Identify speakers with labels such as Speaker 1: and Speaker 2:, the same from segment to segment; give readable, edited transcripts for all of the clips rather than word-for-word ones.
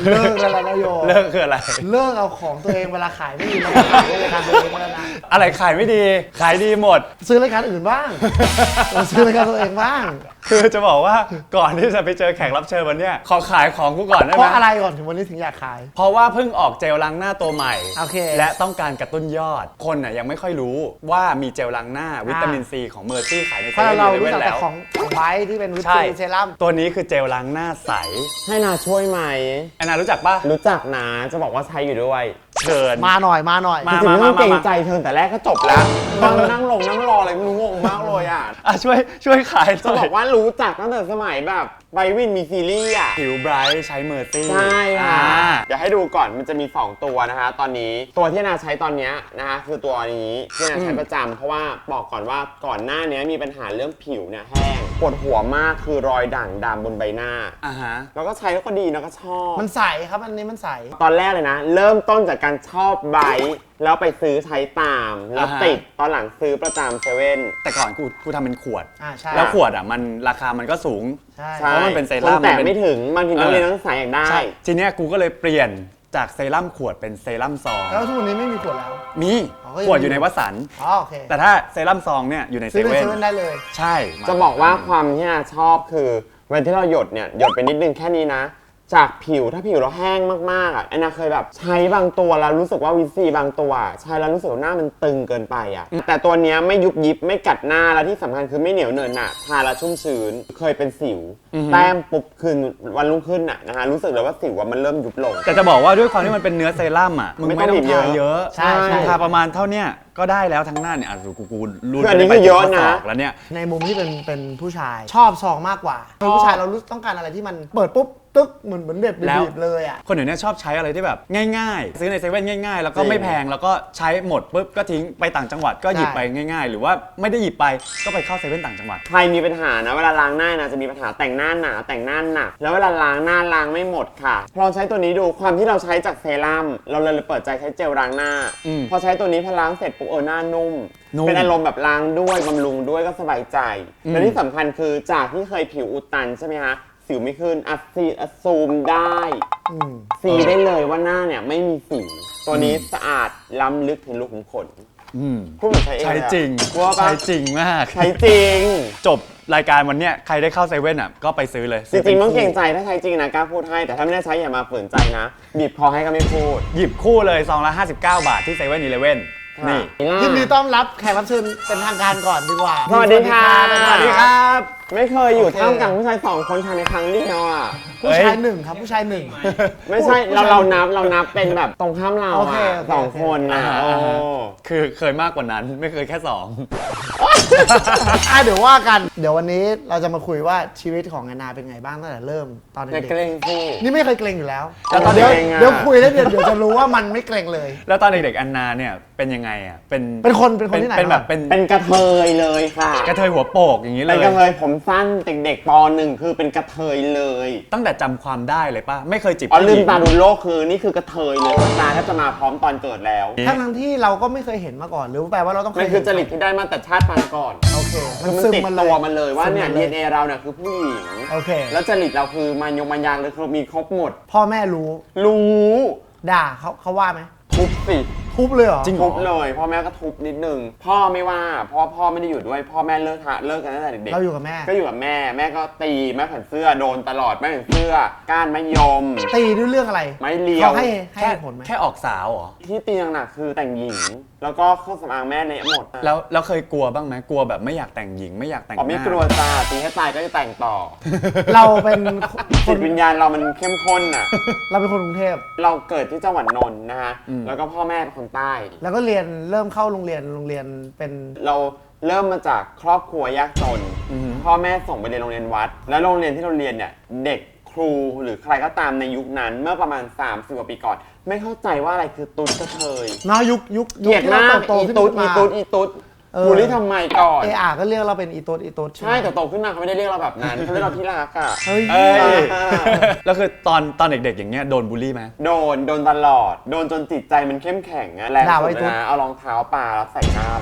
Speaker 1: เลิกแล้วนะโย
Speaker 2: เลิกคืออะไร
Speaker 1: เลิกเอาของตัวเองเวลาขายไม่ดีมาขายรายการตัวเองแล้วนะ
Speaker 2: อะไรขายไม่ดีขายดีหมด
Speaker 1: ซื้อรายการอื่นบ้างซื้อรายการตัวเองบ้าง
Speaker 2: คือจะบอกว่าก่อนที่จะไปเจอแขกรับเชิญวันนี้ขอขายของกูก่อนได้ไหม
Speaker 1: เพราะอะไรก่อนถึงวันนี้ถึงอยากขาย
Speaker 2: เพราะว่าเพิ่งออกเจลล้างหน้าตัวใหม่
Speaker 1: โอเค
Speaker 2: และต้องการกระตุ้นยอดคนน่ะยังไม่ค่อยรู้ว่ามีเจลล้างหน้าวิตามินซีของเมอร์ซี่ขายในเซเว่นเลเว่นแล้ว
Speaker 1: ของไบท์ที่เป็นวิตามินเซรั่ม
Speaker 2: ตัวนี้คือเจลล้างหน้าใส
Speaker 3: ให้นาช่วยไหม
Speaker 2: แอนนารู้จักปะ
Speaker 3: รู้จักนะจะบอกว่าใช้อยู่ด้วย
Speaker 2: เชิญ
Speaker 1: มาหน่อย
Speaker 3: จริงๆไม่ต้องเกรงใจเชิญแต่แรกก็จบแล้วนั่งรออะไรไม่รู้งงมากเลยอ่ะ
Speaker 2: ช่วยขาย
Speaker 3: จะบอกว่ารู้จักตั้งแต่สมัยแบบไบวินมีซีรีส์อ่ะ
Speaker 2: ผิวไบรท์ใช้เมอร์ซี่
Speaker 3: ใช่ค่ะเดี๋ยวให้ดูก่อนมันจะมี2ตัวนะคะตอนนี้ตัวที่นาใช้ตอนนี้นะคะคือตัวนี้ที่นาใช้ประจำเพราะว่าบอกก่อนว่าก่อนหน้านี้มีปัญหาเรื่องผิวเนี่ยแห้งปวดหัวมากคือรอยด่างดำบนใบหน้าแล้วก็ใช้แล้วก็ดีนะก็ชอบ
Speaker 1: มันใสครับอันนี้มันใส
Speaker 3: ตอนแรกเลยนะเริ่มต้นจากการชอบไบท์แล้วไปซื้อใช้ตามแล้วติดตอนหลังซื้อประจำเซเว่น
Speaker 2: แต่ก่อนกูทำเป็นขวด
Speaker 1: ใช่
Speaker 2: แล้วขวดอ่ะมันราคามันก็สูงเพราะมันเป็นเซรั่ม
Speaker 3: แต่ไม่ถึงบางทีนักเรียนนักศึกษาอยากได้
Speaker 2: ทีเนี้ยกูก็เลยเปลี่ยนจากเซรั่มขวดเป็นเซรั่มซอง
Speaker 1: แล้วทุกวันนี้ไม่มีขวดแล้ว
Speaker 2: มีขวดอยู่ในวัสันต์
Speaker 1: โอเค
Speaker 2: แต่ถ้าเซรั่มซองเนี่ยอยู่ในเซเว่น
Speaker 1: ได้เลย
Speaker 2: ใช่
Speaker 3: จะบอกว่าความที่นาชอบคือเวลาที่เราหยดเนี่ยหยดไปนิดนึงแค่นี้นะจากผิวถ้าผิวเราแห้งมากๆอ่ะแอนนาเคยแบบใช้บางตัวแล้วรู้สึกว่าวิซีบางตัวใช้แล้วรู้สึกว่าหน้ามันตึงเกินไปอ่ะแต่ตัวเนี้ยไม่ยุบยิบไม่กัดหน้าแล้วที่สำคัญคือไม่เหนียวเหนอะหนะทาแล้วชุ่มชื้นเคยเป็นสิวแต้มปุ๊บคืนวันรุ่งขึ้นอ่ะนะฮะรู้สึกเลยว่าสิวมันเริ่มยุบลง
Speaker 2: แต่จะบอกว่าด้วยความที่มันเป็นเนื้อเซรั่มอ่ะมึงไม่ต้องทาเยอะ
Speaker 1: ใช่
Speaker 2: ทาประมาณเท่าเนี้ยก็ได้แล้วทั้งหน้าเนี่ยกู
Speaker 3: รุ่นอันนี้ก็เยอะนะ
Speaker 2: แล้วเนี่ย
Speaker 1: ในมุมที่เป็นผู้ชายชอบซองมากกว่าผู้ชายเราต้องการอะไรที่มันเปิดปุ๊บตึ๊กเหมือนเด็บบีบเลยอ่ะ
Speaker 2: คนเดี๋ยวนี้ชอบใช้อะไรที่แบบง่ายๆซื้อในเซเว่นง่ายๆแล้วก็ไม่แพงแล้วก็ใช้หมดปุ๊บก็ทิ้งไปต่างจังหวัดก็หยิบไปง่ายๆหรือว่าไม่ได้หยิบไปก็ไปเข้าเซเว่นต่างจังหวัด
Speaker 3: ใครมีปัญหานะเวลาล้างหน้านะจะมีปัญหาแต่งหน้าหนาแต่งหน้าหนักแล้วเวลาล้างหน้าล้างไม่หมดค่ะลองใช้ตัวนี้ดูความที่เราใช้จากเซรั่มเราเลยเปิดใจใช้เจลล้างหน้าพอใช้ตัวนี้พอล้างเสร็จปุ๊บหน้านุ่มเป็นอารมณ์แบบล้างด้วยบำรุงด้วยก็สบายใจและที่สำคัญคือจากที่เคยผิวอุดตันใช่ไหมคะสิวไม่ขึ้นซูมได้ซีได้เลยว่าหน้าเนี่ยไม่มีสิวตัวนี้สะอาดล้ำลึกถึงรูขุมขนพูดเหมือนใช้เอง
Speaker 2: ใช้จริงใช้จริงมาก
Speaker 3: ใช้จริง
Speaker 2: จบรายการวันเนี้ยใครได้เข้าเซเว่นอ่ะก็ไปซื้อเลย
Speaker 3: จริงๆต้องเกรงใจถ้าใช้จริงนะกล้าพูดให้แต่ถ้าไม่ได้ใช้อย่ามาฝืนใจนะบีบคอให้ก็ไม่พูด
Speaker 2: หยิบคู่เลยซองละ59 บาทที่เซเว่นอีเลฟเว่นนี่
Speaker 1: ยินดีต้อนรับแขกรับเชิญเป็นทางการก่อนดีกว่า
Speaker 3: สวัสดีค่ะ
Speaker 2: สวัสดีครับ
Speaker 3: ไม่เคยอยู่ท่ามกลางผู้ชาย2คนภายในครั้งเดียวอ่ะ
Speaker 1: ผู้ชาย1ครับผู้ชาย1
Speaker 3: ไม่ใช่เรานับเป็นแบบตรงข้ามเรา2คนนะ
Speaker 2: คือเคยมากกว่านั้นไม่เคยแค่2
Speaker 1: เดี๋ยวว่ากันเดี๋ยววันนี้เราจะมาคุยว่าชีวิตของแอนนาเป็นไงบ้างตั้งแต่เริ่มตอนเด็กนี่ไม่เคยเกรงอยู่แล้วแต่ตอนเดี๋ยวคุยแล้วเดี๋ยวจะรู้ว่ามันไม่เกรงเลย
Speaker 2: แล้วตอนเด็กๆแอนนาเนี่ยเป็นยังไงอ่ะ
Speaker 1: เป็นคนที่ไหน
Speaker 2: เป็นแบบ
Speaker 3: เป็นกระเทยเลยค่ะ
Speaker 2: กระเทยหัวโปกอย่างนี้เลย
Speaker 3: เป็นกระเทยผมสั้นเด็กๆป.1คือเป็นกระเทยเลย
Speaker 2: ตั้งแต่จำความได้เลยป่ะไม่เคยจีบ
Speaker 3: ลืมตาดูโลกคือนี่คือกระเทยเลยตาแทบจะมาพร้อมตอนเกิดแล้ว
Speaker 1: ทั้งที่เราก็ไม่เคยเห็นมาก่อนหรือแปลว่าเราต้อง
Speaker 3: มันคือจริตที่ได้มาแต่ชาติปางก่อน
Speaker 1: โอเค
Speaker 3: มันติดตัวมันเลยว่าเนี่ย DNA เราเนี่ยคือผู้หญิง
Speaker 1: โอเค
Speaker 3: แล้วจริตเราคือมันยางเลยคือมีครบหมด
Speaker 1: พ่อแม่รู้ด่าเขาว่าไหม
Speaker 3: ทุบสิ
Speaker 1: ทุบเลยเหรอ
Speaker 3: จริงทุบเลยพ่อแม่ก็ทุบนิดนึงพ่อไม่ว่าเพราะพ่อไม่ได้อยู่ด้วยพ่อแม่เลิกกันตั้งแต่เด็ก
Speaker 1: เราอยู่กับแม่
Speaker 3: ก็อยู่กับแม่ก็ตีแม่แผ่นเสื้อโดนตลอดแม่แผ่นเสื้อก้านมะยม
Speaker 1: ตีด้วยเรื่องอะไร
Speaker 3: ไม่เลี้ยว
Speaker 1: เขาให้ผลไหม
Speaker 2: แค่ออกสาวเหรอ
Speaker 3: ที่ตีหนักๆคือแต่งหญิงแล้วก็เครื่องสำอางแม่เละหมด
Speaker 2: แล้วเคยกลัวบ้างไหมกลัวแบบไม่อยากแต่งหญิงไม่อยากแต่งหน้า
Speaker 3: ไม่กลัวจ้าตีให้ตายก็จะแต่งต่อ
Speaker 1: เราเป็น
Speaker 3: จิตวิญญาณเรามันเข้มข้นอ่ะ
Speaker 1: เราเป็นคนกรุงเทพ
Speaker 3: เราเกิดที่จังหวัดนนท์นะฮะแล้วก็พ่อแม่เป็นคนใต้
Speaker 1: แล้วก็เริ่มเข้าโรงเรียนเป็น
Speaker 3: เราเริ่มมาจากครอบครัวยากจนพ่อแม่ส่งไปเรียนโรงเรียนวัดแล้วโรงเรียนที่เราเรียนเนี่ยเด็กครูหรือใครก็ตามในยุคนั้นเมื่อประมาณ30 กว่าปีก่อนไม่เข้าใจว่าอะไรคือตุ๊ดกระเทย
Speaker 1: นะยุค
Speaker 3: เกลียดมากอีตุ๊ดบูลลี่ทำไมก่อน
Speaker 1: ก็เรียกเราเป็นอีตุ๊ด
Speaker 3: ใช่แต่โตขึ้นมาเขาไม่ได้เรียกเราแบบนั้นเขาเรียกเราที่รักอ่ะ
Speaker 2: แล้วคือตอนเด็กๆอย่างเงี้ยโดนบูลลี่ไหม
Speaker 3: โดนตลอดโดนจนจิตใจมันเข้มแข็งอะแรงสุดนะเอารองเท้าปาแล้วใส่หน้าเรา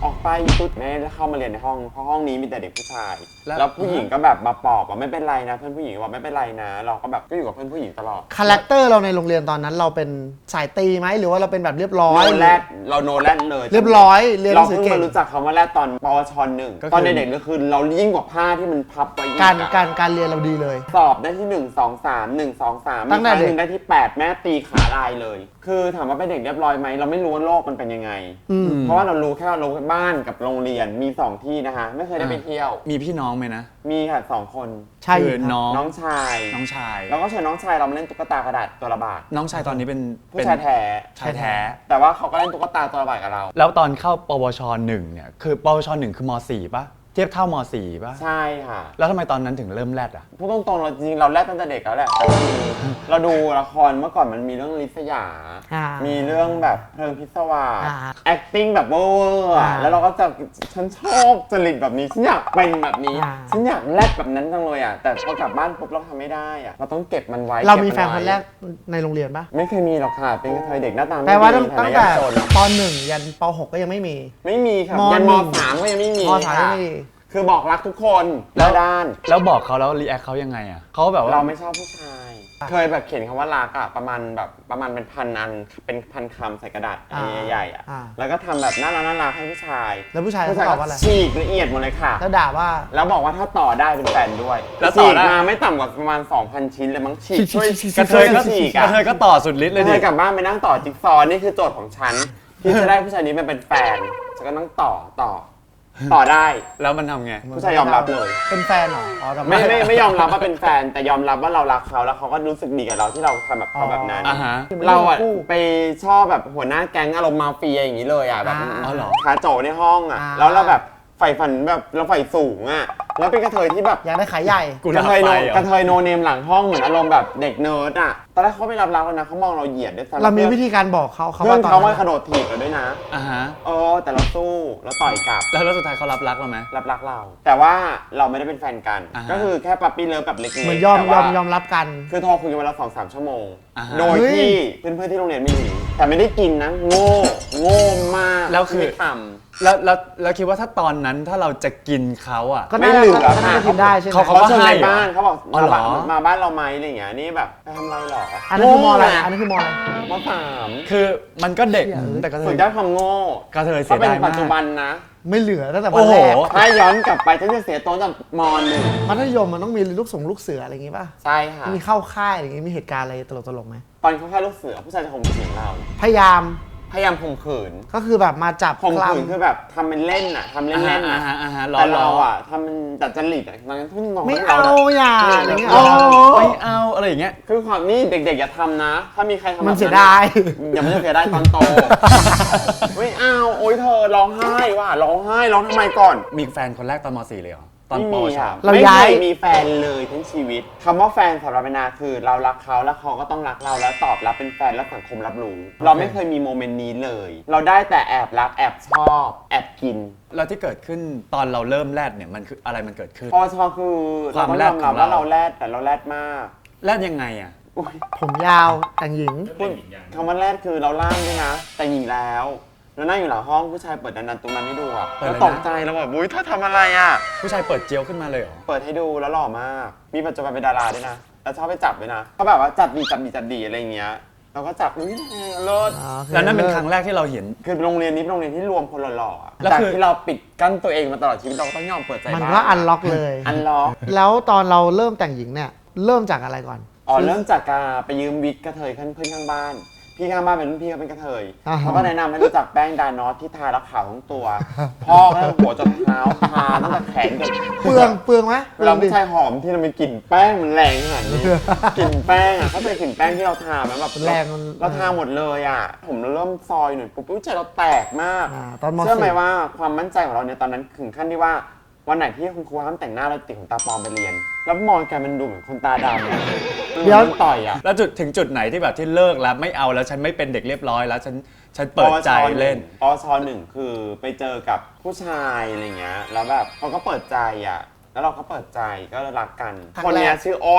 Speaker 3: ออกไปตุ๊ดแม่เข้ามาเรียนในห้องเพราะห้องนี้มีแต่เด็กผู้ชาย
Speaker 2: แล้ว
Speaker 3: แล้วผู้หญิงก็แบบมาปลอบว่าไม่เป็นไรนะเพื่อนผู้หญิงบอกไม่เป็นไรนะเราก็แบบก็อยู่กับเพื่อนผู้หญิงตลอด
Speaker 1: คาแรคเตอร์เราในโรงเรียนตอนนั้นเราเป็นสายตีไหมหรือว่าเราเป็นแบบเรียบร้อย
Speaker 3: โนแรดเราโนแรดเลย
Speaker 1: เรียบร้อยเรียนห
Speaker 3: เรา
Speaker 1: นังสือ
Speaker 3: เพิ่ง
Speaker 1: เก่ง
Speaker 3: มารู้จักคำว่าแรดตอนปวชหนึ่งตอนเด็กๆก็คือเรายิ่งกว่าผ้าที่มันพับไว้อีก
Speaker 1: การเรียนเราดีเลย
Speaker 3: สอบได้ที่ 1 2 3 1 2 3
Speaker 1: ตั้
Speaker 3: มี
Speaker 1: ง
Speaker 3: ค
Speaker 1: แต่
Speaker 3: รั้ง
Speaker 1: เด็ก
Speaker 3: หนึ่งได้ที่ 8 แม่ตีขาลายเลย คือถามว่าเป็นเด็กเรียบร้อยไหมเราไม่รู้ว่าโลกมันเป็นยังไง เพราะว่าเรารู้แค่ว่าบ้านกับโรงเรียนมี 2 ที่นะคะไม่เคยได้ไปเที่ยว
Speaker 2: มีพี่น้องไหมนะ
Speaker 3: มีค่ะ2 คน
Speaker 1: ใช่
Speaker 2: คือ
Speaker 1: ครับ
Speaker 2: น้อง
Speaker 3: ชาย
Speaker 2: น้องชาย
Speaker 3: แล้วก็เชิญน้องชายเรามาเล่นตุ๊กตากระดาษตัวละบาท
Speaker 2: น้องชายตอนนี้เป็น
Speaker 3: ผู้ชายแท้
Speaker 2: ชายแท้
Speaker 3: แต่ว่าเขาก็เล่นตุ๊กตาตัวละบาทกับเรา
Speaker 2: แล้วตอนเข้าปวช1เนี่ยคือปวช1คือม4ป่ะเทียบเท่าม4ป่ะ
Speaker 3: ใช่ค่ะ
Speaker 2: แล้วทำไมตอนนั้นถึงเริ่มแรดอ่ะ
Speaker 3: พูดตรงๆเราจริงๆเราแรกตั้งแต่เด็กแล้วแหละแต่คือเราดูละครเมื่อก่อนมันมีเรื่องลิษยา มีเรื่องแบบเพลิงพิศวาส acting แบบเวอร์อะแล้วเราก็จะฉันชอบจริตแบบนี้ฉันอยากเป็นแบบนี้ฉันอยากแรดแบบนั้นจังเลยอ่ะแต่พอกลับบ้านปุ๊บเราทำไม่ได้อ่ะเราต้องเก็บมันไว้
Speaker 1: เรามีแฟน
Speaker 3: ก็บ
Speaker 1: ค
Speaker 3: ไว้
Speaker 1: นแรกในโรงเรียนปะ
Speaker 3: ไม่เคยมีหรอกค่ะเป็นกระเทยเด็กหน้าตาไม่
Speaker 1: แปลว่า
Speaker 3: ดี
Speaker 1: ตั้ง
Speaker 3: ฐานะ
Speaker 1: แต่
Speaker 3: ยากจน
Speaker 1: ป .1 ยันป .6 ก็ยังไม่มี
Speaker 3: ไม่มีค่ะ
Speaker 1: ม
Speaker 3: ยัน
Speaker 1: ห
Speaker 3: ม
Speaker 1: นึ่ง
Speaker 3: 3ก็ยังไม่มี
Speaker 1: ม .3
Speaker 3: ค่ะ
Speaker 1: ไม่มี
Speaker 3: คือบอกรักทุกคน
Speaker 2: แล้
Speaker 3: แล้ว วด้าน
Speaker 2: แล้วบอกเขาแล้วรีแอคเขายังไงอ่ะเขาแบบว่า
Speaker 3: เราไม่ชอบผู้ชาย เคยแบบเขียนคำว่ารักอะประมาณเป็นพันอันเป็นพันคำใส่กระดาษ
Speaker 1: อ่า
Speaker 3: ใหญ่ๆอะ
Speaker 1: อ่า
Speaker 3: แล้วก็ทำแบบน่ารักให้ผู้ชาย
Speaker 1: แล้วผู้ชาย
Speaker 3: ผู้ชาย
Speaker 1: เขาต
Speaker 3: ก็
Speaker 1: อบว่าอะไร
Speaker 3: ฉีกละเอียดหมดเลยค่ะ
Speaker 1: แล้วด่าว่า
Speaker 3: แล้วบอกว่าถ้าต่อได้เป็นแฟนด้วย
Speaker 2: แล้วต่
Speaker 3: ฉี
Speaker 2: อก ได้
Speaker 3: มาไม่ต่ำกว่าประมาณ 2,000 ชิ้นเลยมั้งฉีกช่วย
Speaker 2: กระเทยก็
Speaker 3: ฉีก
Speaker 2: ก
Speaker 3: อะ
Speaker 2: ระเทยก็ต่อสุดฤทธิ์
Speaker 3: เล
Speaker 2: เลย ย
Speaker 3: เธ
Speaker 2: ดิ
Speaker 3: อกลับบ้านไปนั่งต่อจิ๊กซอว์นี่คือโจทย์ของฉัน ที่จะได้ผู้ชายนี้มาเป็นแฟนฉันก็นั่งต่อได้
Speaker 2: แล้วมันทำไง
Speaker 3: ผู้ชายยอมรับเลย
Speaker 1: เป็นแฟนเหรออ๋อแต่
Speaker 3: ไม่ยอมรับว่าเป็นแฟน แต่ยอมรับว่าเรารักเขาแล้วเขาก็รู้สึกดีกับเราที่เราทำแบบเขาแบบนั้น
Speaker 2: อ่าฮะ
Speaker 3: เราอะไปชอบแบบหัวหน้าแก๊งอารมณ์มาเฟียอย่างนี้เลยอะแบบ
Speaker 2: อ๋อเหรอ
Speaker 3: ขาโจในห้องอะแล้วเราแบบใฝ่ฝันแบบเราใฝ่สูงอะแล้วเป็นกระเทยที่แบบ
Speaker 1: อยากได้ขายใหญ่
Speaker 2: กู
Speaker 3: ก
Speaker 2: ดั
Speaker 3: ระ
Speaker 2: บ
Speaker 3: เทย
Speaker 2: ไฟ
Speaker 3: โน
Speaker 2: เหร
Speaker 3: กระ
Speaker 2: อ
Speaker 3: เทยโนเนมหลังห้องเหมือนอารมณ์แบบเด็กเนิร์ดอะตอนแรกเขาไม่รับแล้วนะเขามองเราเหยียดด้วยซ้ำ
Speaker 1: เรามีวิธีการบอกเขา
Speaker 3: เพื่อน
Speaker 1: ตอน
Speaker 3: เขา
Speaker 1: นั้
Speaker 3: มาน กระโดดถีบเราด้วยนะ
Speaker 2: อ่าฮะ
Speaker 3: แต่เราสู้แล้วต่อยกลับ
Speaker 2: แล้วสุดท้ายเขารับรักเราไหม
Speaker 3: รับรักเรา แต่ว่าเราไม่ได้เป็นแฟนกัน
Speaker 2: อ่าฮะ
Speaker 3: ก็คือแค่ปั๊ปปี้เลิฟแบบเล็กๆ
Speaker 1: เหมือนยอม
Speaker 3: แต่ว่าย
Speaker 1: อมรับกัน
Speaker 3: คือโทรคุยกันวันละ2-3 ชั่วโมง
Speaker 2: อ่าฮะ
Speaker 3: โดย
Speaker 1: เฮ้ย
Speaker 3: ที่เพื่อนๆที่โรงเรียนไม่รู้แต่ไม่ได้กินนะ โง่มาก
Speaker 2: แล้วคือ
Speaker 3: ไม่ท
Speaker 2: แล้วคิดว่าถ้าตอนนั้นถ้าเราจะกินเขาอ่ะ
Speaker 1: ก็
Speaker 3: ไม่
Speaker 1: น่า
Speaker 3: เหลือ
Speaker 1: ก็น่าจะกินได้ใช่ไหม
Speaker 2: เขา
Speaker 3: ำเขาเชิญ
Speaker 2: ให้
Speaker 3: ใน
Speaker 2: เหรอ
Speaker 3: บ้านเขาบอก
Speaker 2: อ๋อเหรอ
Speaker 3: มาบ้านเราไหมอะไรอย่างเงี้ยนี่แบบไปทำอะไรหรอ
Speaker 1: อั
Speaker 3: อั
Speaker 1: นนั้นคือมออะไรอันนั้นคือมออะไร
Speaker 3: มสาม
Speaker 2: คือมันก็เด็ก
Speaker 1: เชี่ย
Speaker 2: แต่กระเท
Speaker 3: สุ
Speaker 2: ย
Speaker 3: ดยอดความโง่
Speaker 2: กระเทยเสี
Speaker 3: เขา
Speaker 2: ย
Speaker 3: เป็น
Speaker 2: ดาย
Speaker 3: ปั
Speaker 2: มา
Speaker 3: จจุบั
Speaker 2: ก
Speaker 3: นนะ
Speaker 1: ไม่เหลือตั้งแต่วั
Speaker 2: โอ้
Speaker 1: น
Speaker 2: โห
Speaker 1: แรก
Speaker 3: ถ้าย้อนกลับไปฉันจะเสียโต๊ะจากมหนึ่ง
Speaker 1: มัธยมมันต้องมีลูกเสืออะไรอย่างงี้ป่ะ
Speaker 3: ใช่ค่ะ
Speaker 1: มีเข้าค่ายอะไรอย่างงี้มีเหตุการณ์อะไรตลกๆไหม
Speaker 3: ตอนเขาแค่ลูกเสือผู้ชายจะข่มขืนเรา
Speaker 1: พยายาม
Speaker 3: พยายามข่มขืน
Speaker 1: ก็คือแบบมาจับ
Speaker 3: ข่ม
Speaker 1: คล
Speaker 3: ขืนคือแบบทำเป็นเล่นอะทำเล่นๆ
Speaker 2: อ่า
Speaker 3: นะ
Speaker 2: ฮะอ่าฮะ
Speaker 3: แต่เราอะทำเป็นดัดจริตอะตอนนั้นทุ่งนอน
Speaker 1: ำไม่
Speaker 3: ให้
Speaker 1: เอา
Speaker 3: เรา
Speaker 1: อย่าอะไรเงี้ย
Speaker 3: โอ้
Speaker 2: ไม่เอาอะไรอย่างเงี้ย
Speaker 3: คือความนี่เด็กๆอย่าทำนะ ถ้ามีใครทำแบบ
Speaker 1: มัน
Speaker 3: นั้น
Speaker 1: เสียดาย
Speaker 3: อย่ามันจะเสียดายตอนโต ไม่เอาโอ๊ยเธอร้องไห้ว่ะร้องไห้ร้องทำไมก่อน
Speaker 2: มีแฟนคนแรกตอนม .4 เลยเหรอ ตอน
Speaker 3: ไม่
Speaker 2: ป
Speaker 3: มี
Speaker 2: วช
Speaker 3: ค่ะ
Speaker 1: เรา
Speaker 3: ไม่
Speaker 1: ย้า
Speaker 3: เค
Speaker 1: ย
Speaker 3: ยมีแฟนเลยทั้งชีวิตคำว่าแฟนสำหรับนาคือเรารักเขาแล้วเขาก็ต้องรักเราแล้วตอบรับเป็นแฟนแล้วสังคมรับรู้ เราไม่เคยมีโมเมนต์นี้เลย เราได้แต่แอบรักแอบชอบแอบกิน
Speaker 2: แล้วที่เกิดขึ้นตอนเราเริ่มแรดเนี่ยมันคืออะไรมันเกิดขึ้น
Speaker 3: พอชอคือ
Speaker 2: ควา
Speaker 3: เรา
Speaker 2: ม
Speaker 3: ก็
Speaker 2: แร
Speaker 3: ย
Speaker 2: ด
Speaker 3: อม
Speaker 2: ข
Speaker 3: รั
Speaker 2: อบ งเรา
Speaker 3: ว่าเราแรดแต่เราแรดมาก
Speaker 2: แรดยังไงอ่ะ
Speaker 3: อุ๊ย
Speaker 1: ผมยาวแต่งหญิง
Speaker 3: พูดคำว่าแรดคือเราล่างด้วยนะ แต่หญิงแล้วเรานั่งอยู่หลังห้องผู้ชายเปิดดันๆตรงนั้นให้ดูอ่ะ
Speaker 2: เปิด
Speaker 3: แล้ว
Speaker 2: เลยนะ
Speaker 3: ตกใจแล้วแบบอุ้ยเธอทำอะไรอ่ะ
Speaker 2: ผู้ชายเปิดเจียวขึ้นมาเลยเหรอ
Speaker 3: เปิดให้ดูแล้วหล่อมาก มีปัจจุบันเป็นดาราด้วยนะ แล้วชอบไปจับด้วยนะเขาแบบว่าจับดีอะไรอย่างเงี้ย เราก็จับอุ้ยเลิศ
Speaker 2: แล้วนั่นเป็นครั้งแรกที่เราเห็น
Speaker 3: คือโรงเรียนนี้เป็นโรงเรียนที่รวมคนหล่อๆอะ
Speaker 2: แล้ว
Speaker 3: จาก
Speaker 2: คือ
Speaker 3: ที่เราปิดกั้นตัวเองมาตลอดชีวิตเราก็ต้องยอมเปิดใจ
Speaker 1: มัน
Speaker 3: บ้าง
Speaker 1: ก็อันล็อกเลย
Speaker 3: อันล็อก
Speaker 1: แล้วตอนเราเริ่มแต่งหญิงเนี่ย เริ่มจากอะไรก่อน
Speaker 3: เริ่มจากการไปยืมวิกกระเทยเพื่อนข้างบ้าน พี่ข้างบ้านเป็นรุ่นพี่เขาเป็นกระเทย
Speaker 1: อ่าฮะ
Speaker 3: เขาก็แนะนำให้รู้จักแป้งดานอสที่ทาแล้วขาวทั้งตัว พ่อก็หัวจนเท้าทาตั้งแต่แขนจน
Speaker 1: เปลืองไหม
Speaker 3: เวลาผู้ชายหอมที่เรามีกลิ่นแป้งมันแรงขนาดนี้ กลิ่นแป้งอ่ะเขาเป็นกลิ่นแป้งที่เราทาไหมแบบ
Speaker 1: แรงมัน
Speaker 3: เราทาหมดเลยอ่ะ ผมเริ่มซอยหน่อยปุ๊บใจเราแตกมาก
Speaker 1: ตอนม
Speaker 3: เชื่อไหม
Speaker 1: สี่
Speaker 3: ว่าความมั่นใจของเราเนี่ยตอนนั้นถึงขั้นที่ว่าวันไหนที่คุณครูห้ามแต่งหน้าเราติดขนตาปลอมไปเรียน แล้วมองกันมันดูเหมือนคนตาดำอะ
Speaker 1: เดี๋ยว
Speaker 3: มันต่อยอ่ะ
Speaker 2: แล้วถึงจุดไหนที่แบบที่เลิกแล้วไม่เอาแล้วฉันไม่เป็นเด็กเรียบร้อยแล้วฉันเปิดใจเล่น
Speaker 3: ปชหนึ่งคือไปเจอกับผู้ชายอะไรเงี้ยแล้วแบบเขาก็เปิดใจอ่ะแล้วเราก็เปิดใจก็รักกัน คนเนี้ยชื่ออ้น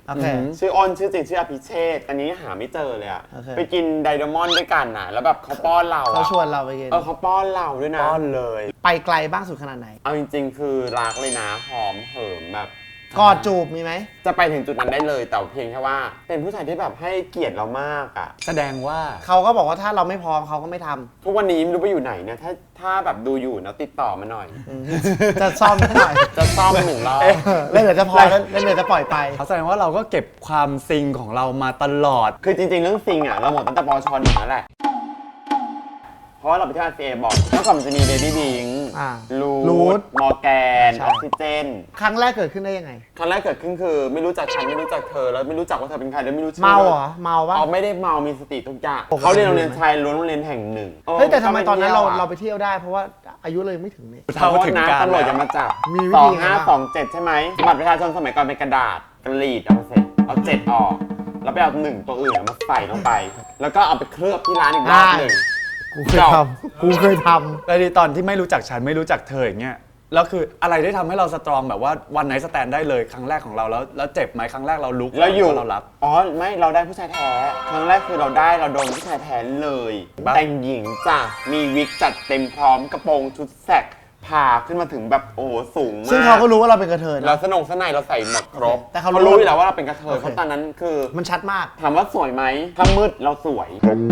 Speaker 1: โอเค
Speaker 3: ชื่ออ้นชื่อจริงชื่ออภิเชษฐ์อันนี้หาไม่เจอเลยอะ
Speaker 1: โอเค
Speaker 3: ไปกินไดโดมอนด์ด้วยกันน่ะแล้วแบบเขาป้อนเรา
Speaker 1: เขา
Speaker 3: อะ
Speaker 1: ชวนเราไปกิน
Speaker 3: เขาป้อนเราด้วยนะป้อนเลย
Speaker 1: ไปไกลบ้างสุดขนาดไหน
Speaker 3: เอาจริงๆ คือรักเลยนะหอมเหิมแบบ
Speaker 1: กอดจูบมีไหม
Speaker 3: จะไปถึงจุดนั้นได้เลยแต่เพียงแค่ว่า เป็นผู้ชายที่แบบให้เกียรติเรามากอะ
Speaker 2: แสดงว่า
Speaker 1: เขาก็บอกว่าถ้าเราไม่พร้อมเขาก็ไม่ทำ
Speaker 3: ทุกวันนี้ไม่รู้ไปอยู่ไหนเนี่ยถ้าแบบดูอยู่นะติดต่อมาหน่อย
Speaker 1: จะซ่อมให้หน่อย
Speaker 3: จะซ่อม1 รอบ
Speaker 1: เล่นเดี๋ยวจะพอเล่นเดี๋ยวจะปล่อยไป
Speaker 2: เขาแสดงว่าเราก็เก็บความซิงของเรามาตลอด
Speaker 3: คือจริงๆ เรื่องซิงอ่ะเราหมดตั้งแต่ปช.1นั่นแหละ เพราะว่าเราไปที่ RCA บอกเมื่อก่อนมันจะมีเบบี้บิง
Speaker 1: อ่า
Speaker 3: รู
Speaker 1: Root
Speaker 3: ทมอร์แกน
Speaker 1: ใช่
Speaker 3: ออกซิเจน
Speaker 1: ครั้งแรกเกิดขึ้นได้ยังไง
Speaker 3: ครั้งแรกเกิดขึ้นคือไม่รู้จักฉันไม่รู้จักเธอแล้วไม่รู้จักว่าเธอเป็นใครแล้วไม่รู้ชื่อ
Speaker 1: เมาเหรอ เมาปะ
Speaker 3: เอาไม่ได้เมามีสติทุกอย่าง
Speaker 1: ปกติ
Speaker 3: เขาเรียนโรงเรียนชายล้วนโรงเรียนแห่งหนึ่ง
Speaker 1: เฮ้ยแต่ทำไมตอนนั้นเรา
Speaker 3: เรา
Speaker 1: ไปเที่ยวได้ เพราะว่าอายุเลยไม่ถึงนี่
Speaker 3: เท่าถึงการตำรวจจะมาจับ
Speaker 1: มีวิธีไงบ้าง
Speaker 3: 2527 ใช่ไหมบัตรประชาชนสมัยก่อนเป็นกระดาษกรีดเอามาเสร็จเอา7ออก แล้วไปเอา1ตัวอื่นมาใส่ลงไป แล้วก็เอาไปเคลือบที่ร้านอีกรอบหนึ่ง
Speaker 1: กูเคยทำกูเคยท
Speaker 2: แล้วตอนที่ไม่รู้จักฉันไม่รู้จักเธออย่างเงี้ยแล้วคืออะไรได้ทำให้เราสตรองแบบว่าวันไหนสแตนได้เลยครั้งแรกของเราแล้วเจ็บไหมครั้งแรกเราลุก
Speaker 3: แล้วอยู่
Speaker 2: เรารับ
Speaker 3: อ๋อไม่เราได้ผู้ชายแท้ครั้งแรกคือเราโดนผู้ชายแท้เลย
Speaker 2: บ้า
Speaker 3: แต่งหญิงจ้ะมีวิกจัดเต็มพร้อมกระโปรงชุดแสกผ่าขึ้นมาถึงแบบโอ้โหสูง
Speaker 1: ำ
Speaker 3: มาก
Speaker 1: ซึ่งเขาก็รู้ว่าเราเป็นกระเทยนะ
Speaker 3: เราสนงสนายเราใส่หมดครบ
Speaker 1: แต่เขารู้
Speaker 3: รู้อยู่แล้วว่าเราเป็นกระเทย
Speaker 1: โอเค
Speaker 3: เพราะตอนนั้นคือ
Speaker 1: มันชัดมาก
Speaker 3: ถามว่าสวยไหมถ้ามืดเราสวย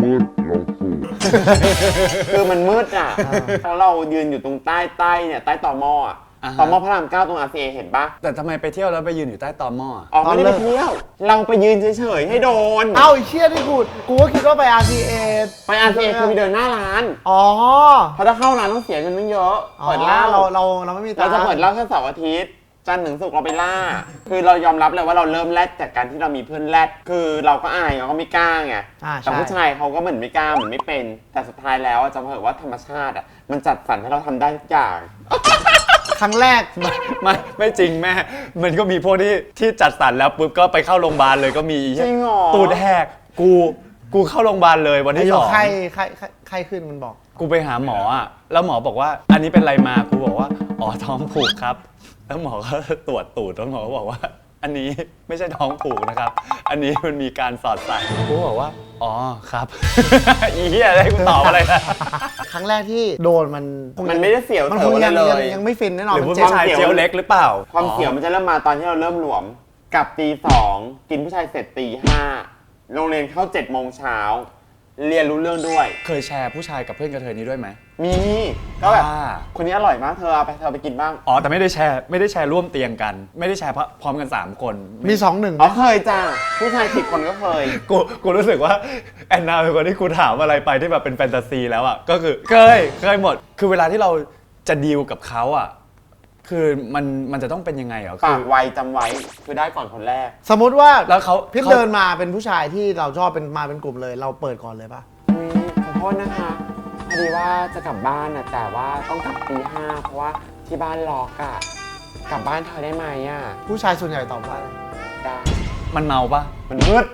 Speaker 3: คือมันมืดอ่ะเพราะเรายืนอยู่ตรงใต้เนี่ยใต้ต่อหม้ออะ
Speaker 2: อ่าฮะ
Speaker 3: ต่อหม้อพระราม9ตรง RCA เห็นปะ
Speaker 2: แต่ทำไมไปเที่ยวแล้วไปยืนอยู่ใต้ตอหม้อ
Speaker 3: ออกไม่ได้ไปเที่ยว เราไปยืนเฉยๆให้โดน
Speaker 1: เอ้าไอ้เชี่ยที่กูก็คิดว่าไป RCA
Speaker 3: ไป RCA คือไปเดินหน้าร้าน
Speaker 1: อ๋อ
Speaker 3: เพราะถ้าเข้าร้านต้องเสียเงินตั้งเยอะ
Speaker 1: อ๋อ
Speaker 3: เปิดเหล้า
Speaker 1: เราไม่มีตั
Speaker 3: เรา
Speaker 1: งค์
Speaker 3: จะเปิดเหล้าแค่เสาร์อาทิตย์จันทร์ถึงศุกร์เราไปล่า คือเรายอมรับเลยว่าเราเริ่มแรดจากการที่เรามีเพื่อนแรดคือเราก็อายเราก็ไม่กล้าไง
Speaker 1: อ่า
Speaker 3: แต่
Speaker 1: ใช่
Speaker 3: ผู้ชายเขาก็เหมือนไม่กล้าเหมือนไม่เป็น แต่สุดท้ายแล้วอะจะเผยว่าธรรมชาติอ่ะมันจัดสรรให้เราทำได้ทุกอย่าง
Speaker 1: ครั้งแรก
Speaker 2: ไม่จริงแม่ มันก็มีพวกที่จัดสรรแล้วปุ๊บก็ไปเข้าโรงพยาบาลเลยก็มี
Speaker 3: จริงเหรอ
Speaker 2: ตูดแหกกูเข้าโรงพยาบาลเลยวัน
Speaker 1: ไอ้
Speaker 2: ที่
Speaker 1: โย
Speaker 2: สอง
Speaker 1: ไข้ขึ้นมันบอก
Speaker 2: กูไปหาหมออ่ะแล้วหมอบอกว่าอันนี้เป็นอะไรมากูบอกว่าอ๋อท้องผูกครับ แล้วหมอก็ตรวจตูดแล้วหมอก็บอกว่า อันนี้ไม่ใช่ท้องผูกนะครับ อันนี้มันมีการสอดใส่กูบอกว่าอ๋อครับ อีเหี้ยอะไรกูตอบอะไรนะ
Speaker 1: ครั้งแรกที่โดนมัน
Speaker 3: มันไม่ได้เสียว
Speaker 1: มัน
Speaker 3: เถ
Speaker 1: คง
Speaker 3: อะ
Speaker 1: ยัง
Speaker 3: เลย
Speaker 1: ยังไม่ฟินแน่นอน
Speaker 2: หรือ
Speaker 1: มัน
Speaker 2: ผู้
Speaker 1: เจ็บ
Speaker 2: ชายเจียวเล็กหรือเปล่า
Speaker 3: ความเสียวมันจะเริ่มมาตอนที่เราเริ่มหลวมกลับตี 2กินผู้ชายเสร็จตี 5โรงเรียนเข้า7 โมงเช้าเรียนรู้เรื่องด้วย
Speaker 2: เคยแชร์ผู้ชายกับเพื่อนกระเทยนี้ด้วยไหม
Speaker 3: มีก็แบบ
Speaker 2: อ่า
Speaker 3: คนนี้อร่อยมากเธอเอาไปกินบ้าง
Speaker 2: อ๋อแต่ไม่ได้แชร์ร่วมเตียงกัน ไม่ได้แชร์พร้อมกัน 3 คน
Speaker 1: มี2-1
Speaker 3: อ๋อเคยจ้าผู้ชาย10 คนก็เคย
Speaker 2: กูรู้สึกว่าแอนนาเป็นคนที่กูถามอะไรไปที่แบบเป็นแฟนตาซีแล้วอ่ะก็คือเคยหมด คือเวลาที่เราจะดีลกับเขาอ่ะคือมันจะต้องเป็นยังไงเหรอ
Speaker 3: ปา
Speaker 2: คื
Speaker 3: ก
Speaker 2: อ
Speaker 3: ไวจำไว้คือได้ก่อนคนแรก
Speaker 1: สมมติว่า
Speaker 2: แล้วเขา
Speaker 1: พี่เดินมาเป็นผู้ชายที่เราชอบมาเป็นกลุ่มเลย เราเปิดก่อนเลยปะ
Speaker 3: ขอโทษนะคะพอดีว่าจะกลับบ้านนะแต่ว่าต้องกลับตี 5เพราะว่าที่บ้านล็อกอะกลับบ้านเธอได้ไหมอะ
Speaker 1: ผู้ชายส่วนใหญ่ตอบว่าอะไร
Speaker 3: ได้
Speaker 2: มันเมาปะ
Speaker 3: มันมืด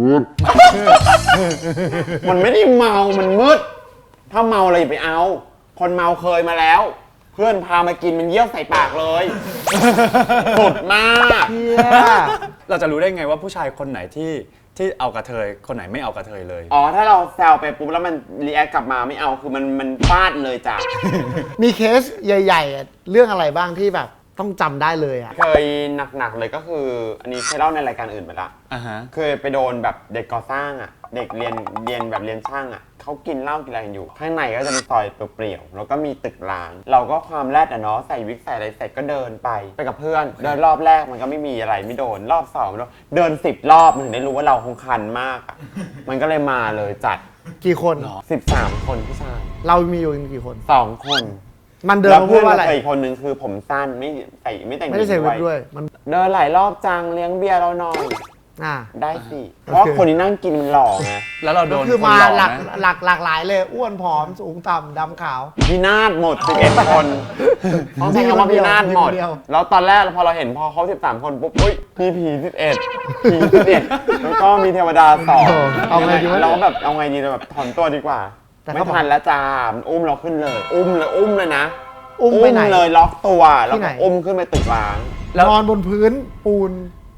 Speaker 3: มันไม่ได้เมา มันมืด ถ้าเมาอะไรอย่าไปเอา คนเมาเคยมาแล้ว เพื่อนพามากินมันเยี่ยวใส่ปากเลย สุดมาก
Speaker 1: เฮีย
Speaker 2: เราจะรู้ได้ไงว่าผู้ชายคนไหนที่เอากระเทยคนไหนไม่เอากระเทยเลย
Speaker 3: อ๋อ ถ้าเราแซวไปปุ๊บแล้วมันรีแอคกลับมาไม่เอา คือมันฟาดเลยจ้ะ
Speaker 1: มีเคสใหญ่ๆอะเรื่องอะไรบ้างที่แบบต้องจำได้เลยอ่ะ
Speaker 3: เคยหนักๆเลยก็คือ อันนี้เคยเล่าในรายการอื่นไปละ
Speaker 2: อ่าฮะ
Speaker 3: เคยไปโดนแบบเด็กก่อสร้างอ่ะ เด็กเรียนแบบเรียนช่างอ่ะเขากินเหล้ากินอะไรกันอยู่ ข้างในก็จะมีซอยเปลี่ยวๆแล้วก็มีตึกร้าง เราก็ความแรดอ่ะเนาะใส่วิกใส่อะไรเสร็จก็เดินไปกับเพื่อน เดินรอบแรกมันก็ไม่มีอะไรไม่โดนรอบ2เดิน10 รอบมันถึงได้รู้ว่าเราคงคันมากอ่ะ มันก็เลยมาเลยจัด
Speaker 1: กี่คน
Speaker 3: 13 คนผู้ชาย
Speaker 1: เรามีอยู่กี่คน
Speaker 3: 2 คน
Speaker 1: มันเดิน
Speaker 3: แล้ว
Speaker 1: มาพู
Speaker 3: เพื่
Speaker 1: ด
Speaker 3: อน
Speaker 1: ว่าอะไร
Speaker 3: เคยอีกคนนึงคือผมสั้นไม่แต่ง
Speaker 1: ไม่ได้ใส่วิกด้วยมัน
Speaker 3: เดินหลายรอบจังเลี้ยงเบียร์เราหน่อย
Speaker 1: อ่า
Speaker 3: ได้สิเพราะว่าคนที่นั่งกินมันหล่อไง
Speaker 2: แล้วเราโดน
Speaker 1: คือ
Speaker 2: คน
Speaker 1: มา
Speaker 2: หลอก
Speaker 1: หลาก
Speaker 2: นะ
Speaker 1: หลากหลายเลยอ้วนผอมสูงต่ำดำขาว
Speaker 3: พินาศหมด 11 คนต้องใช้คำว่าพินาศหมด
Speaker 1: มีคนเดียว
Speaker 3: แล้วตอนแรกพอเราเห็นพอเขา13 คนปุ๊บอุ้ยมีผี11ผี11แล้วก็มีเทวดา2
Speaker 1: เอาไงดีวะ
Speaker 3: เราก็แบบเอาไงดีเราแบบถอนตัวดีกว่า
Speaker 1: แต่
Speaker 3: ไม่
Speaker 1: เขาบอก
Speaker 3: ทันแล้วจ้ามันอุ้มเราขึ้นเลย อุ้มเลยนะ
Speaker 1: อุ้มไปไหน
Speaker 3: เลยล็อกตัวแล้ว
Speaker 1: ที่ไห
Speaker 3: ก็
Speaker 1: น
Speaker 3: อุ้มขึ้นไปตึกร้าง
Speaker 2: แล้ว
Speaker 1: นอนบนพื้นปูน